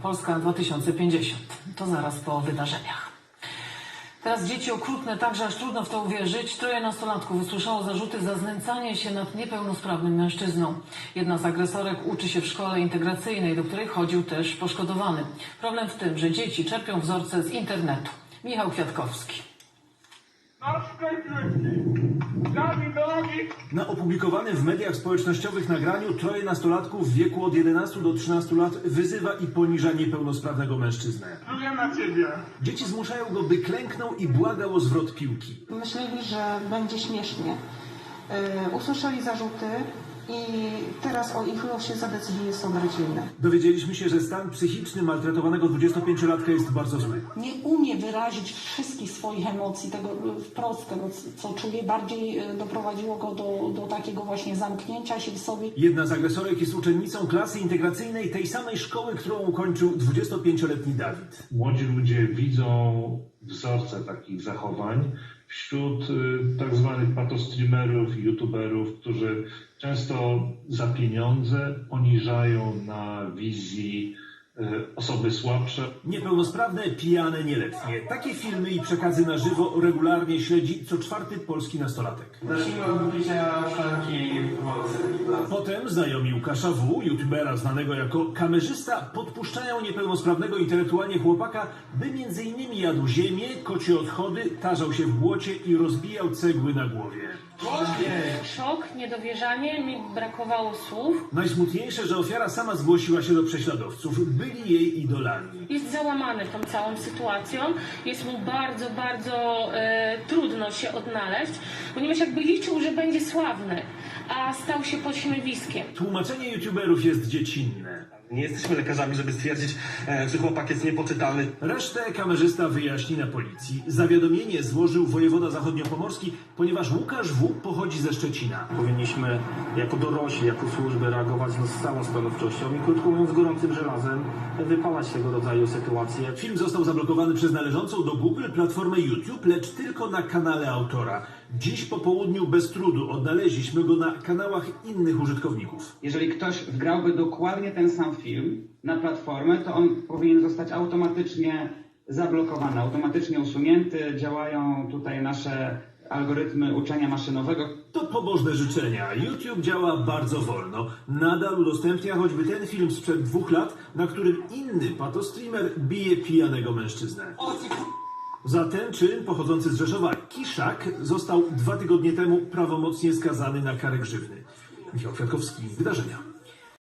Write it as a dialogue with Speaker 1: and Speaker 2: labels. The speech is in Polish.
Speaker 1: Polska 2050. To zaraz po wydarzeniach. Teraz dzieci okrutne, także aż trudno w to uwierzyć. 3 nastolatków usłyszało zarzuty za znęcanie się nad niepełnosprawnym mężczyzną. Jedna z agresorek uczy się w szkole integracyjnej, do której chodził też poszkodowany. Problem w tym, że dzieci czerpią wzorce z internetu. Michał Kwiatkowski.
Speaker 2: Na opublikowanym w mediach społecznościowych nagraniu 3 nastolatków w wieku od 11 do 13 lat wyzywa i poniża niepełnosprawnego mężczyznę.
Speaker 3: Pluję na ciebie.
Speaker 2: Dzieci zmuszają go, by klęknął i błagał o zwrot piłki.
Speaker 4: Myśleli, że będzie śmiesznie. Usłyszeli zarzuty i teraz o ich losie zadecyduje sąd rodzinny.
Speaker 2: Dowiedzieliśmy się, że stan psychiczny maltretowanego 25-latka jest bardzo zły.
Speaker 5: Nie umie wyrazić wszystkich swoich emocji, tego wprost, tego co czuje, bardziej doprowadziło go do takiego właśnie zamknięcia się w sobie.
Speaker 2: Jedna z agresorek jest uczennicą klasy integracyjnej tej samej szkoły, którą ukończył 25-letni Dawid.
Speaker 6: Młodzi ludzie widzą wzorce takich zachowań wśród tak zwanych patostreamerów, youtuberów, którzy często za pieniądze poniżają na wizji osoby słabsze.
Speaker 2: Niepełnosprawne, pijane, nieletnie. Takie filmy i przekazy na żywo regularnie śledzi co 4. polski nastolatek.
Speaker 7: Zacznijmy od wypicia szklanki wody.
Speaker 2: Potem znajomi Łukasza W., youtubera znanego jako kamerzysta, podpuszczają niepełnosprawnego intelektualnie chłopaka, by m.in. jadł ziemię, kocie odchody, tarzał się w błocie i rozbijał cegły na głowie.
Speaker 8: Szok, niedowierzanie, mi brakowało słów.
Speaker 2: Najsmutniejsze, że ofiara sama zgłosiła się do prześladowców. Byli jej idolami.
Speaker 8: Jest załamany tą całą sytuacją. Jest mu bardzo, bardzo trudno się odnaleźć, ponieważ jakby liczył, że będzie sławny, a stał się pośmiewiskiem.
Speaker 2: Tłumaczenie youtuberów jest dziecinne.
Speaker 7: Nie jesteśmy lekarzami, żeby stwierdzić, czy chłopak jest niepoczytalny.
Speaker 2: Resztę kamerzysta wyjaśni na policji. Zawiadomienie złożył wojewoda zachodniopomorski, ponieważ Łukasz W. pochodzi ze Szczecina.
Speaker 9: Powinniśmy jako dorośli, jako służby reagować z całą stanowczością i krótko mówiąc gorącym żelazem wypalać tego rodzaju sytuacje.
Speaker 2: Film został zablokowany przez należącą do Google platformę YouTube, lecz tylko na kanale autora. Dziś po południu bez trudu odnaleźliśmy go na kanałach innych użytkowników.
Speaker 10: Jeżeli ktoś wgrałby dokładnie ten sam film na platformę, to on powinien zostać automatycznie zablokowany, automatycznie usunięty. Działają tutaj nasze algorytmy uczenia maszynowego.
Speaker 2: To pobożne życzenia. YouTube działa bardzo wolno. Nadal udostępnia choćby ten film sprzed 2 lat, na którym inny patostreamer bije pijanego mężczyznę. Za ten czyn pochodzący z Rzeszowa Kiszak został 2 tygodnie temu prawomocnie skazany na karę grzywny. Michał Kwiatkowski, Wydarzenia.